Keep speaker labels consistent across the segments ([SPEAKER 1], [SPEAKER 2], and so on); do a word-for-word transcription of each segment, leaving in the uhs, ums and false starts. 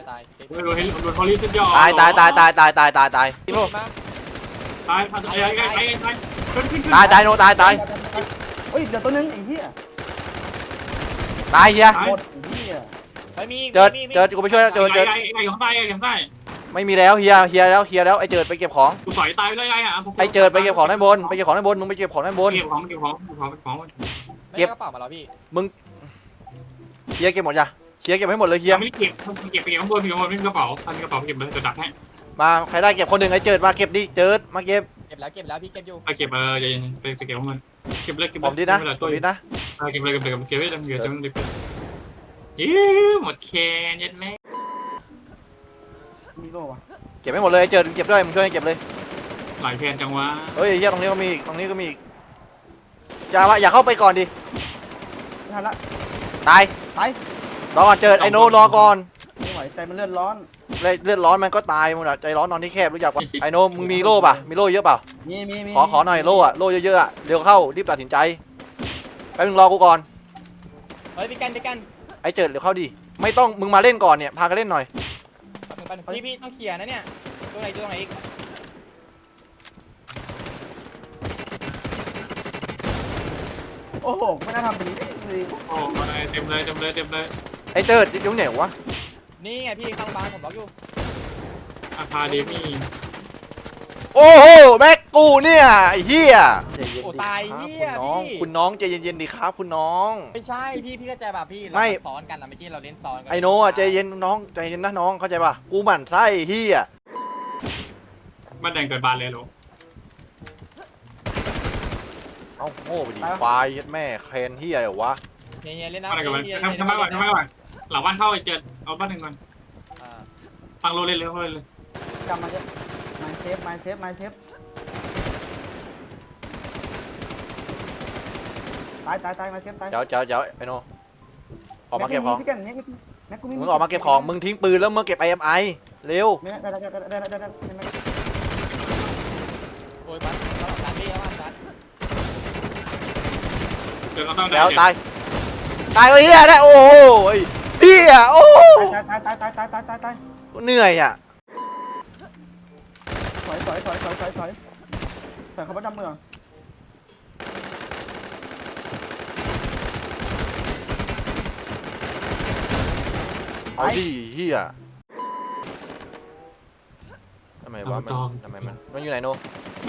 [SPEAKER 1] ตาย
[SPEAKER 2] โดนเฮลิโดนฮอลลี่สุดยอด
[SPEAKER 3] ตายตายตายตายตายตายตายตายพี่โน
[SPEAKER 1] มา
[SPEAKER 2] ตายตายตายตายตายตายขึ้นขึ้นขึ้น
[SPEAKER 3] ตายตายโนตายตาย
[SPEAKER 4] เฮ้ยเดี๋ยวตัวนึงไอ้เหี้ย
[SPEAKER 3] ตายเฮีย
[SPEAKER 4] หมดไอ้เหี้ย
[SPEAKER 1] ไม่มี
[SPEAKER 3] เจิดเจิดกูไปช่วยเจิดเจิด
[SPEAKER 2] ไอ้ไอ้ของใต้ไอ้ของใต้
[SPEAKER 3] ไม่มีแล้วเฮียเฮียแล้วเฮียแล้วไอ้เจิดไปเก็บของ
[SPEAKER 2] กูสอยตายเลยไอ้อะ
[SPEAKER 3] ไอ้เจิดไปเก็บของด้านบนไปเก็บของด้านบนมึงไปเก็บของด้านบน
[SPEAKER 2] เก็บของเก็บของเก็บของเก็บของ
[SPEAKER 1] เก็บกระเป๋ามาแล้วพี่
[SPEAKER 3] เฮียเก็บหมดจ้ะเฮียเก็บให้หมดเลยเฮีย
[SPEAKER 2] ไม่ได้เก็บเก็บไปเก็บข้างบนเก็บข้างบนไม่มีกระเป๋าทำกระเป๋าเก็บเลยจะดักให้
[SPEAKER 3] มาใครได้เก็บคนหนึ่งไอ้เจิดมาเก็บดิเจิดมาเก็บ
[SPEAKER 1] เก็บแล้วเก็บแล้วพี่เก็บอยู่
[SPEAKER 2] ไปเก็บเออจะไปไปเก็บข้างบนเก็บเลยเก็บ
[SPEAKER 3] ผมดินะผ
[SPEAKER 2] ตัว
[SPEAKER 3] มดินะ
[SPEAKER 2] เก็บเลยเก็บเลยเก็บไว้เดี๋ยวจะมันดิบยี่หมดแคนยัดแม่
[SPEAKER 4] มีโล่วะ
[SPEAKER 3] เก็บให้หมดเลยไอ้เจิดเก็บด้วยมึงช่วยเก็บเลย
[SPEAKER 2] หลายแคนจังวะ
[SPEAKER 3] เฮ้ยเฮียตรงนี้ก็มีอีกตรงนี้ก็มีอีกอย่ามาอย่าเข้าไปก่อนดิ
[SPEAKER 4] ไม่ทันละ
[SPEAKER 3] ตาย
[SPEAKER 4] ไป
[SPEAKER 3] รอก่อนเจิดไอ้โนรอก่อน
[SPEAKER 4] ไม่ไหวใจมันเลือดร้อน
[SPEAKER 3] เลยเลือดร้อนมันก็ตายมึงอะใจร้อนนอนที่แคบรู้จักปะไอ้โนมึงมีโล่ป่ะมีโล่เยอะเปล่า
[SPEAKER 4] มีมีมี
[SPEAKER 3] ขอขอหน่อยโล่อะโล่เยอะๆอะเร็วเข้ารีบตัดสินใจแป๊บนึงรอกูก่อน
[SPEAKER 1] เฮ้ยพี่กันพี่กัน
[SPEAKER 3] ไอ้เจิดเร็วเข้าดิไม่ต้องมึงมาเล่นก่อนเนี่ยพากันเล่นหน่อย
[SPEAKER 1] พี่พี่ต้องเคลียร์นะเนี่ยตัวไหนตัวไหนอีก
[SPEAKER 4] โอ้โหไม่น่าทำแบบนี้เลย
[SPEAKER 2] โอ้เต็มเลยเต็มเลยเต็มเลย
[SPEAKER 3] ไอ้เจิดยุ่งเหนียววะ
[SPEAKER 1] นี่ไงพี่ข้างบ้านผมบล็อกอยู่
[SPEAKER 2] อาคาเดมี่
[SPEAKER 3] โอ้โหแม็กกูเนี่ยไอ้เหี้ยใจเย็น
[SPEAKER 1] โอ้
[SPEAKER 3] ดิ
[SPEAKER 1] ตาย
[SPEAKER 3] ครับ
[SPEAKER 1] เฮี
[SPEAKER 3] คุ
[SPEAKER 1] ย
[SPEAKER 3] ณน้อง
[SPEAKER 1] พี่
[SPEAKER 3] คุณน้องใจเย็นๆดิครับคุณน้อง
[SPEAKER 1] ไม่ใช่พี่พี่เข้าใจป่ะพี่
[SPEAKER 3] ไม่
[SPEAKER 1] เราซ้อนกันนะเมื่อกี้เราเล่นซ้อนกั
[SPEAKER 3] ไอ้โนอะใจเย็นน้องใจเย็นนะน้องเข้าใจป่ะกูหมั่นไส้เหี้ย
[SPEAKER 2] บ้านแดงเกิดบานเลยหรอ
[SPEAKER 3] เอ้าโง่ไปดิควายยัดแม่เคนเหี้ยเหรอวะ
[SPEAKER 1] เฮียเล่นนะ
[SPEAKER 2] บ้านแดงเกิดบาน
[SPEAKER 1] เฮีย
[SPEAKER 2] ทำทำไมก่อนทำไมก่อนหลังบ้านเข้าไอ้เจ็ดเอาบ้านหนึ่งก่อนฟังโรเล่นเลยเขาเล่นเลย
[SPEAKER 4] จำมาจะไมเซฟไมเซฟไมเซฟตายตายตายไมเซฟตาย
[SPEAKER 3] เดี๋ยวเดี๋ยวเดี๋ยวไอ้โนออกมาเก็บของ
[SPEAKER 4] พี่กันแม็กแม็กกูมี
[SPEAKER 3] มึงออกมาเก็บของมึงทิ้งปืนแล้วมึงเก็บไอเอ็มไอเร็ว
[SPEAKER 4] ได้ได้ได้ได้ได้ได้ได้ได้
[SPEAKER 1] โอ้ยมันเราสานพี่แล้วมันสาน
[SPEAKER 2] เดี๋ยวเราต้อง
[SPEAKER 3] แล้วตายตายเลยเหี้ยได้โอ้โหเหี้ยโอ้
[SPEAKER 4] ตายตายตายตายตายตายตายตาย
[SPEAKER 3] เหนื่อยอ่ะ
[SPEAKER 4] ถอยถอยถอยถอยถอยถอยถอยเขาไปดำเมือง
[SPEAKER 3] เอาดิเหี้ยทำไมวะมันทำไมมันมันอยู่ไหนโน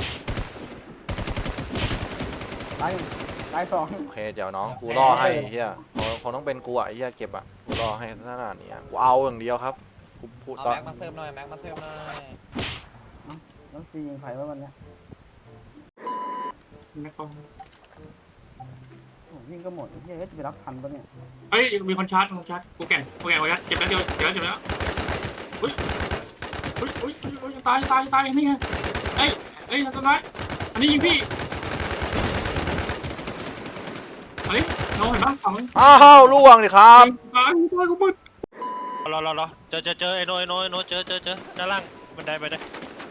[SPEAKER 4] ตายตายสอง
[SPEAKER 3] โอเคเดี๋ยวน้องกูรอให้เหี้ยคงต้องเป็นกูอ่ะไอ้เหี้ยเก็บอ่ะกูรอให้ขนาดนี้กูเอาอย่างเดียวครับกูพูด
[SPEAKER 1] เอา
[SPEAKER 3] ตอน
[SPEAKER 1] แม็กมาเพิ่มหน่อยแม็กมาเพิ่มหน่อย
[SPEAKER 4] ต้องซียิงใครว่าวันเนี้ย
[SPEAKER 2] ไม่ต้อง
[SPEAKER 4] โอ้ยิ่งก็หมดเฮ้ยจะไปรับทันปะเนี่ย
[SPEAKER 2] เฮ้ยมีคนชาร์จคนชาร์จกูแก่นกูแก่นกูแก่นเจ็บแล้วเจ็บเจ็บแล้วเจ็บแล้วอุ้ยอุ้ยอุ้ยอุ้ยตายตายตายนี่ไงเฮ้ยเฮ้ยต้นไม้อันนี้ยิงพี่เฮ้ยน้องเห็นปะฝั่งมึง
[SPEAKER 3] อ้าวล่วงดิครับ
[SPEAKER 2] ตายตายกูมึด
[SPEAKER 5] รอรอรอเจอเจอเจอไอ้โนไอ้โนไอ้โนเจอเจอเจอด้านล่างบันไดบันได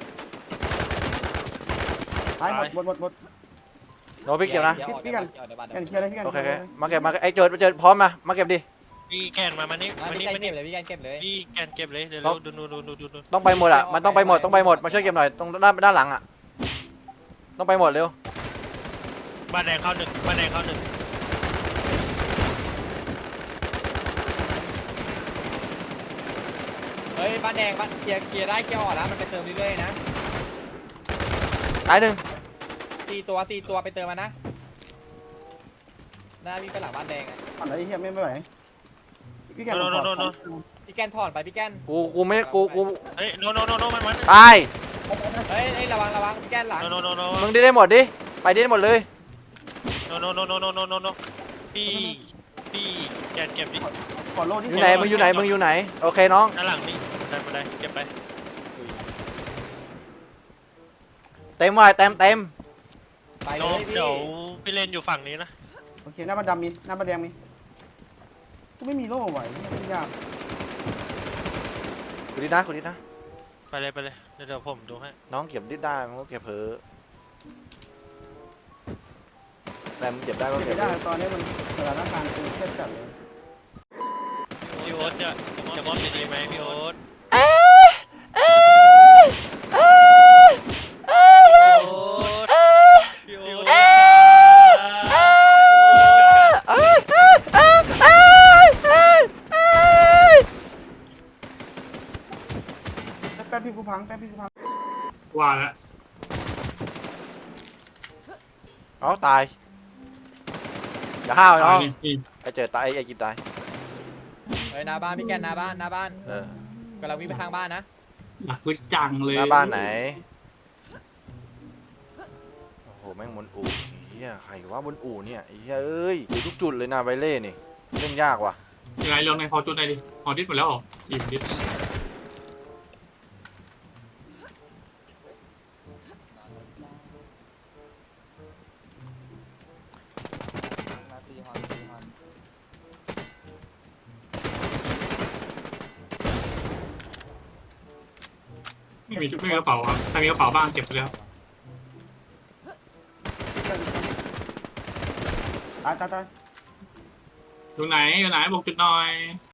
[SPEAKER 4] ตายหมดหมดหมดหมด
[SPEAKER 3] โนพี่เก็บนะ
[SPEAKER 4] พี่กัน กันเคลียร์เลยพี่กัน
[SPEAKER 3] โอเคโอเคมาเก็บมาไอ้เจิดเจิดพร้อมมามาเก็บดิ
[SPEAKER 5] พี่แกนมามานี่มา
[SPEAKER 1] พี่
[SPEAKER 5] นี่
[SPEAKER 1] กัน
[SPEAKER 5] มา
[SPEAKER 1] เก็
[SPEAKER 5] นี่
[SPEAKER 1] บเลยพี่กันเก็บเลย
[SPEAKER 5] พี่แกนเก็บเลยเดี๋ยวดูดูดูดูดูดู
[SPEAKER 3] ต้องไปหมดอ่ะมันต้องไปหมดต้องไปหมดมาช่วยเก็บหน่อยตรงด้านด้านหลังอ่ะต้องไปหมดเร็ว
[SPEAKER 5] บ้านแดงเข้าหนึ่งบ้านแดงเข้าหนึ่ง
[SPEAKER 1] เฮ้ยบ้านแดงบ้านเคลียร์เคลียร์ได้เคลียร์ออกแล้วมันไปเติมเรื่อยๆนะ
[SPEAKER 3] ตายหนึ่ง
[SPEAKER 1] ตีตัวตีตัวไปเติมมานะหน้าพี่ไปหลังบ้านแดงอ่ะ
[SPEAKER 4] ผ่านอะไรเฮียไม่ไม่ไหวพี่กัน
[SPEAKER 5] โนโนโนโน
[SPEAKER 1] พี่แกนถอนไปพี่แกน
[SPEAKER 3] กูกูไม่กูกู
[SPEAKER 5] เฮ้ยโนโนโนโนมันมัน
[SPEAKER 3] ตาย
[SPEAKER 1] เฮ้ยเฮ้ยระวังระวังพี่แกนหลัง
[SPEAKER 5] โนโนโนโน
[SPEAKER 3] มึงได้ได้หมดดิไปได้หมดเลย
[SPEAKER 5] โนโนโนโนโนโนโนโนพี่พี่แกนเก็บดิ
[SPEAKER 4] ขอโล่ที่
[SPEAKER 3] อยู่ไหนมึงอยู่ไหนมึงอยู่ไหนโอเคน้อง
[SPEAKER 5] ด้านหลังนี่บันไดบันไดเก็บไป
[SPEAKER 3] เต็มว่ะเต็มเต็ม
[SPEAKER 1] ไป
[SPEAKER 5] โน
[SPEAKER 1] เลยพี่
[SPEAKER 5] เดี๋ยวพี่เล่นอยู่ฝั่งนี้นะ
[SPEAKER 4] โอเคหน้าบันดำมีหน้าบันแดงมีกูไม่มีโล่ไหวไม่ยาก
[SPEAKER 3] กูดินะกูดินะ
[SPEAKER 5] ไปเลยไปเลยเดี๋ยวผมดูให้
[SPEAKER 3] น้องเก็บดิได้มึงก็เก็บเผลอแต่มึงเก็บได้ก็
[SPEAKER 4] ไม่
[SPEAKER 3] เก็บ
[SPEAKER 4] ได้ตอนนี้มันสถานการณ์คือเครียดจัดเลย
[SPEAKER 5] โอ้พี่โอ๊ตจะจะมอบจะดีไหมพี่โอ๊ต
[SPEAKER 3] เอ้ยเอ้ยเอ้ยเอ้ย
[SPEAKER 5] พี่โอ๊ต
[SPEAKER 3] เอ้ย
[SPEAKER 5] พี่โอ๊ต
[SPEAKER 3] เอ้ยเอ้ยเอ้ยเอ้ยเอ้ยเอ้ยเอ้ยเอ้ย
[SPEAKER 4] แป๊บพี่กูพังแป๊บพี่กูพัง
[SPEAKER 2] ว่าแล้ว
[SPEAKER 3] เอาตายอย่าห้าว
[SPEAKER 2] ตา
[SPEAKER 3] น้อย ง
[SPEAKER 2] นี่นี่
[SPEAKER 3] ไอเจอตายไอไอกินตาย
[SPEAKER 1] เฮ้ยหน้าบ้านพี่แกนหน้าบ้านหน้าบ้าน
[SPEAKER 3] เออก
[SPEAKER 1] ำลังวิ่งไปทางบ้านนะ
[SPEAKER 2] หลักวิจังเลย
[SPEAKER 3] หน้าบ้านไหนโอ้โหแม่งบนอู่เฮียใครว่าบนอู่เนี่ยไอ้เฮียเอ้ยอยู่ทุกจุดเลยนะไวเล่นี่เล่นยากว่ะ
[SPEAKER 2] ยังไงลองในพอจุดไหนดิพอดิสหมดแล้วเหรออิ่มดิส
[SPEAKER 4] นาทีฮอนนาทีฮอน
[SPEAKER 2] ไม่มีไม่มีกระเป๋าครับใครมีกระเป๋าบ้างเก็บไปแล้ว
[SPEAKER 4] ตายตายตาย
[SPEAKER 2] อยู่ไหนอยู่ไหนบอกจุดหน่อย